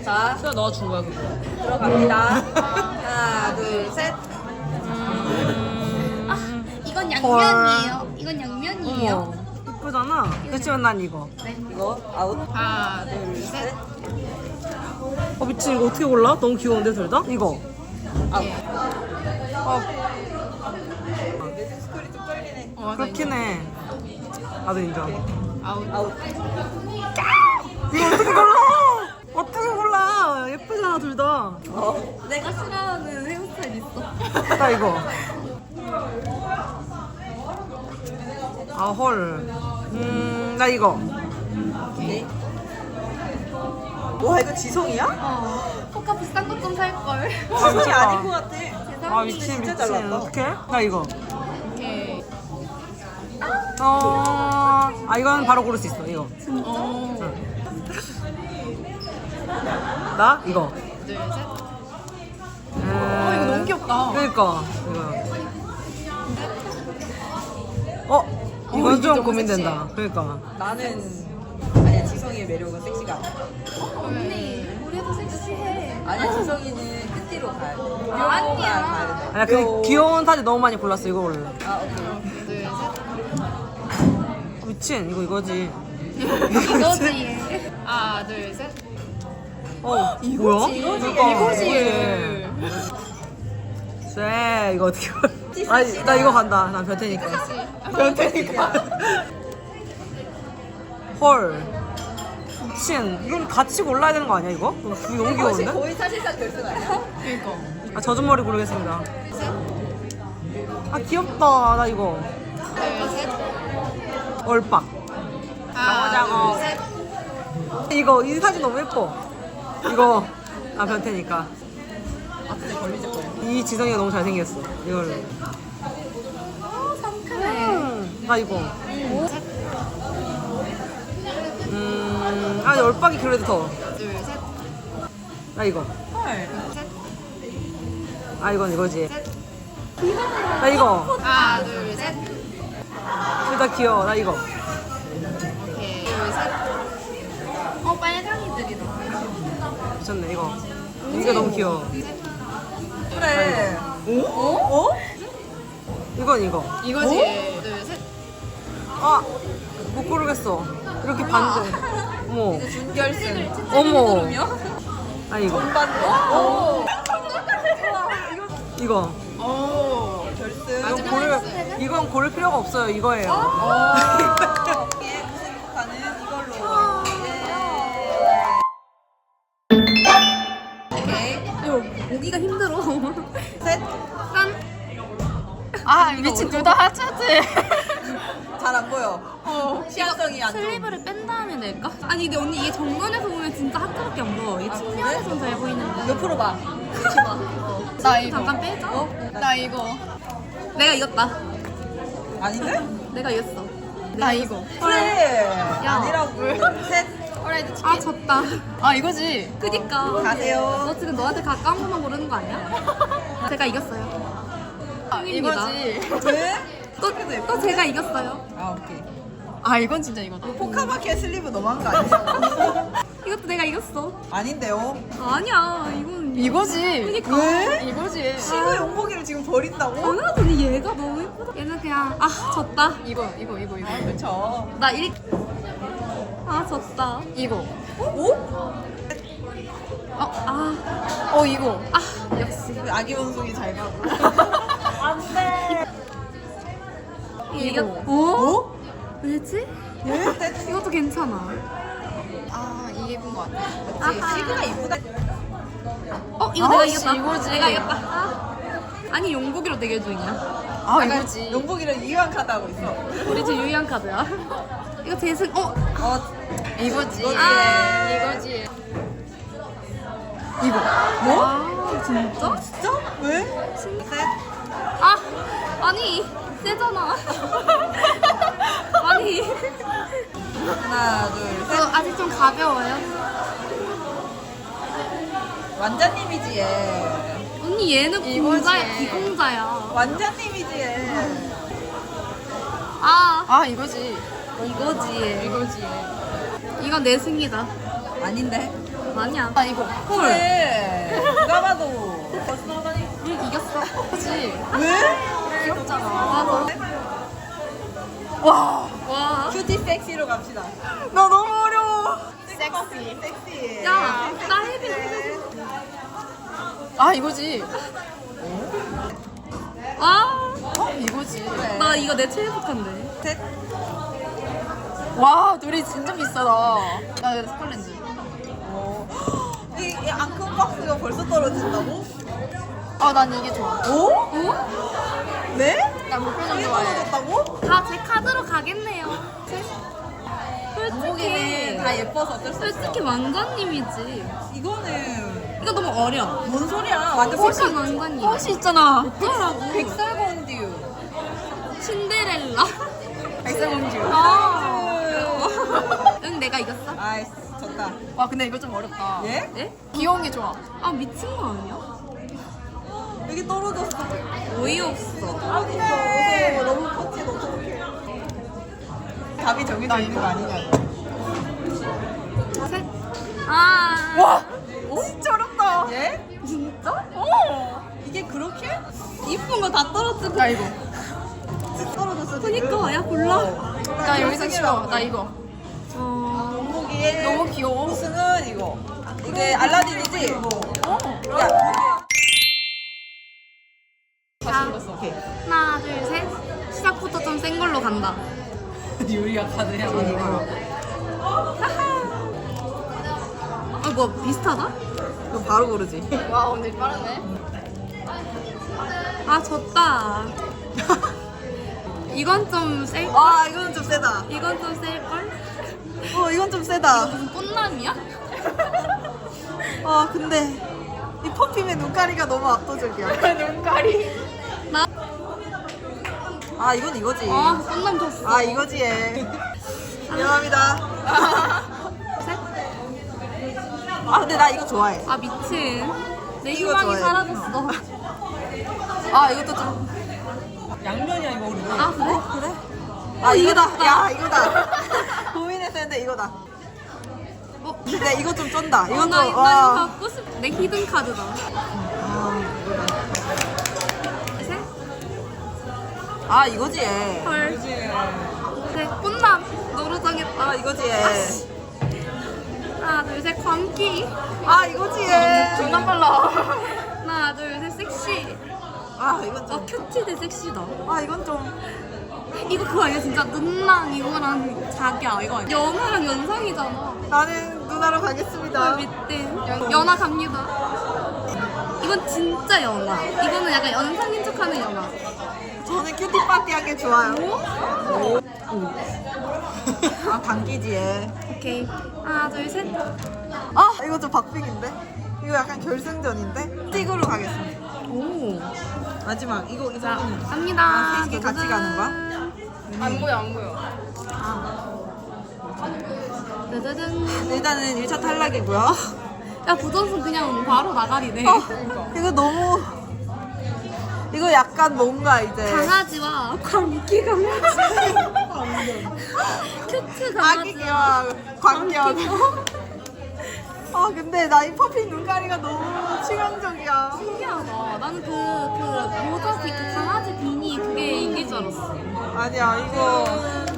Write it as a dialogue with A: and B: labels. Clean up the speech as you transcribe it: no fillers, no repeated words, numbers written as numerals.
A: 자,
B: 수야 너가 준 거야 그거.
A: 들어갑니다. 하나, 둘, 셋.
C: 이건 양면이에요. 이건 양면이에요.
B: 어머, 이쁘잖아. 그렇지만 난 이거.
A: 이거 아웃.
C: 하나, 둘, 셋.
B: 미친 이거 어떻게 골라? 너무 귀여운데 둘 다? 이거.
A: 아웃.
B: 어,
A: 스쿨이 좀 떨리네.
B: 그렇긴 해. 나도 인정.
A: 아웃.
B: 이거 어떻게 골라? 어떻게 골라? 예쁘잖아 둘 다.
C: 내가 싫어하는 헤어스타일 있어.
B: 나 이거. 아 헐. 나 이거.
A: 오케이. 와, 이거 지성이야?
C: 포카 비싼 것 좀 살걸.
A: 지성이 아닌 것 같아.
B: 아 미친
A: 진짜
B: 미친.
A: 잘 나왔다.
B: 어떡해? 나 이거.
C: 오케이.
B: 이건 바로 고를 수 있어. 이거. 응. 나 이거.
C: 둘, 셋.
B: 이거 너무 귀엽다. 그러니까 이거. 이건 좀 고민된다. 그러니까.
A: 나는 아니야, 지성이의 매력은 섹시가 아니야.
C: 언니, 우리도 섹시해.
A: 아니야, 지성이는 끝뒤로 가야 돼.
C: 아니야.
A: 가야 돼.
B: 아니야 그 귀여운 사진 너무 많이 골랐어. 이거 골라.
A: 아, 오케이.
C: 둘, 셋.
B: 미친 이거지.
C: 이거지. 하나, 둘, 셋.
B: 뭐야?
A: 이거지.
B: 쎄 이거 어떻게 골라? 아니 나 이거 간다. 난 변태니까.
A: 변태니까.
B: 헐. 미친 이건 같이 골라야 되는 거 아니야 이거? 이거 너무 귀여운데?
A: 거의 사실상 결승 아니야?
C: 그니까.
B: 젖은 머리 고르겠습니다. 귀엽다. 나 이거.
C: 둘, 셋.
B: 얼빡.
C: 하나, 둘, 셋.
B: 이거 이 사진 너무 예뻐. 이거 나 변태니까.
A: 앞에 걸리적 거려.
B: 이 지성이가 너무 잘생겼어. 이걸로.
C: 상큼해.
B: 나 이거. 얼빡이 그래도 더.
C: 둘, 셋.
B: 나 이거.
A: 헐.
C: 셋.
B: 이건 이거지. 나 이거.
C: 하나, 둘, 셋.
B: 둘 다 귀여워. 나 이거.
C: 오케이. 둘, 셋. 빨강이들이다.
B: 미쳤네 이거. 이거 너무 귀여워.
A: 그래.
B: 오? 이건 이거.
C: 이거지. 둘, 셋.
B: 못 고르겠어. 이렇게 반대. 어머.
A: 준결승.
B: 어머. 이거.
A: 오.
B: 이거.
A: 오. 결승.
B: 이건 고를 필요가 없어요. 이거예요.
A: 이게 무슨 가는 이걸로. 오케이.
C: 이거 보기가 힘들어.
A: 셋.
C: 짠. 미친 둘 다 하차지.
A: 잘 안 보여. 시야성이 안 좋아.
C: 슬리브를 뺀 다음에 낼까? 아니 근데 언니 이게 정면에서 보면 진짜 하트밖에 안 보여. 이게 측면에서는 잘 보이는데.
A: 옆으로 봐.
C: 나 이거 잠깐 빼자. 나 이거. 내가 이겼다.
A: 아닌데?
C: 내가 이겼어. 나 이거.
A: 그래.
C: 야.
A: 아니라고. 셋.
C: 졌다. 이거지. 그니까.
A: 가세요.
C: 너 지금 너한테 가까운 것만 모르는 거 아니야? 제가 이겼어요.
A: 이거지. 왜?
C: 또 제가 이겼어요.
A: 오케이.
C: 이건 진짜 이거다.
A: 포카마켓 슬리브 너무한 거 아니야?
C: 이것도 내가 이겼어.
A: 아닌데요?
C: 아니야. 이건
D: 이거지.
C: 그니까.
A: 왜?
D: 이거지.
A: 시그 용복이를 지금 버린다고?
C: 당연하더니 얘가 너무 예쁘다. 얘는 그냥 졌다.
D: 이거.
A: 그쵸.
C: 나 1. 졌다.
D: 이거.
A: 오?
D: 이거.
C: 역시.
A: 아기 원숭이 잘 가고.
C: 이거.
A: 오?
C: 왜지?
A: 예?
C: 이것도 괜찮아.
D: 이게 예쁜 것 같아.
A: 시그가 이쁘다.
C: 이거 내가
D: 씨,
C: 이겼다.
D: 이거지.
C: 내가 이겼다. 아니 용복이로 대결 중이야.
D: 이거지.
A: 용복이랑 이왕 카드 하고 있어.
C: 우리 지금 유의한 카드야. 이거 재승.
D: 이거지.
A: 이거지.
D: 이거.
C: 진짜?
A: 진짜? 왜? 셋.
C: 아니 세잖아. 아니.
A: 하나, 둘, 셋.
C: 아직 좀 가벼워요.
A: 완자님이지 얘.
C: 언니 얘는 공자야. 비공자야.
A: 완자님이지 얘.
D: 이거지.
C: 이거지.
D: 이거지.
C: 이건 내 승이다.
A: 아닌데?
C: 아니야.
D: 아 이거.
A: 그래. 누가 봐도.
C: 응, 이겼어.
D: 그치.
A: 왜?
D: 귀엽잖아.
C: 맞아.
A: 와.
C: 와.
A: 큐티 섹시로 갑시다. 나 너무 어려워. 섹시.
C: 야, 나 헤비.
D: 아 이거지.
C: 와.
D: 이거지.
C: 나 이거 내 최애 속한데.
A: 셋.
D: 와 둘이 진짜 비싸다. 나 이거 스컬렌즈.
A: 이 안 큰 박스가 벌써 떨어진다고?
D: 아 난 이게 좋아.
A: 오?
C: 어?
A: 네?
D: 나 목표정
A: 이게
D: 좋아해.
A: 떨어졌다고?
C: 다 제 카드로 가겠네요.
A: 목에는 다
C: 솔직히,
A: 예뻐서 어쩔 수 없어.
C: 솔직히 왕자님이지.
A: 이거는
C: 이거 너무 어려.
A: 뭔 소리야? 완전
C: 훨씬 왕자님.
D: 혹시 있잖아.
C: 어쩌라고.
A: 백설공주.
C: 신데렐라.
A: 백설공주.
C: 아. 응, 내가 이겼어.
A: 아이씨, 졌다.
D: 와 근데 이거 좀 어렵다.
A: 예?
C: 예?
D: 귀여운 게 좋아.
C: 아, 미친 거 아니야?
A: 여기 떨어졌어.
C: 어이없어.
A: 안돼. 너무 커지 어떡해. 답이 정해져 있는 거 아니냐고.
C: 셋. 아.
A: 와! 진짜 어렵다. 예?
C: 진짜?
A: 이게 그렇게?
C: 이쁜 거 다 떨어지고.
D: 나 이거.
A: 떨어졌어.
C: 그니까, 야, 골라.
D: 나 여기서 싫어. 나 이거.
A: 원목이의
D: 너무 귀여워.
A: 우승은 이거. 이게 알라딘이지? 야,
C: 자,
A: 오케이.
C: 하나, 둘, 셋. 시작부터 좀 센 걸로 간다.
A: 유리가 카드야.
C: 아, 뭐, 비슷하다?
A: 이거 바로 고르지.
D: 와 오늘 빠르네.
C: 아, 졌다. 이건 좀 셀걸?
A: 아, 이거는 좀 세다.
C: 이건 좀 셀걸?
A: 이건 좀 세다.
C: 무슨 꽃남이야?
A: 근데 이 퍼퓸의 눈가리가 너무 압도적이야.
D: 눈가리.
C: 나?
A: 아, 이건 이거지.
C: 아, 꽃남 졌어.
A: 아, 이거지 얘. 미안합니다.
C: 셋.
A: 아, 근데 나 이거 좋아해.
C: 아, 미친. 내
A: 이거
C: 희망이
A: 좋아해.
C: 사라졌어.
A: 아, 이것도 좀. 양면이야, 이거 우리.
C: 아, 그래?
A: 그래? 아, 이거다. 야, 이거다. 고민했었는데 이거다. 근데 이거 좀 쩐다. 이건
C: 나,
A: 좀,
C: 나 이거 갖고 싶. 내 히든 카드다. 셋.
A: 아, 이거지 얘.
C: 헐. 셋. 꽃남. 너로 정했다.
A: 아, 이거지 얘.
C: 하나, 둘, 셋. 광기.
A: 아, 이거지 얘.
D: 존나 빨라.
C: 하나, 둘, 셋. 섹시.
A: 아, 이건 좀.
C: 큐티 대 섹시다.
A: 아, 이건 좀.
C: 이거 그거 아니야? 진짜 눈랑 이거랑 자기야 이거 아니야? 연하랑 연상이잖아.
A: 나는 누나로 가겠습니다.
C: 밑에 연하 갑니다. 이건 진짜 연하. 이거는 약간 연상인 척하는 연하.
A: 저는 큐티 파티 하게 좋아요. 아, 당기지 얘.
C: 오케이. 하나, 둘, 셋.
A: 아, 이거 좀 박빙인데? 이거 약간 결승전인데? 틱으로 가겠습니다.
C: 오.
A: 마지막, 이거
C: 자,
A: 이거는.
C: 갑니다.
A: 아, 셋이 같이 가는 거야?
D: 안 보여 안 보여.
C: 짜자잔.
A: 일단은 1차 탈락이고요.
C: 야, 부전승 그냥 바로 나가리네.
A: 이거 너무. 이거 약간 뭔가 이제.
C: 강아지와 광기 강아지. 큐트 강아지.
A: 아기와 광견. 근데 나 이 퍼핀 눈가리가 너무 치명적이야.
C: 신기하다. 나는 그 모자 그 강아지 비니 그게 이길 줄 알았어.
A: 아니야, 이거.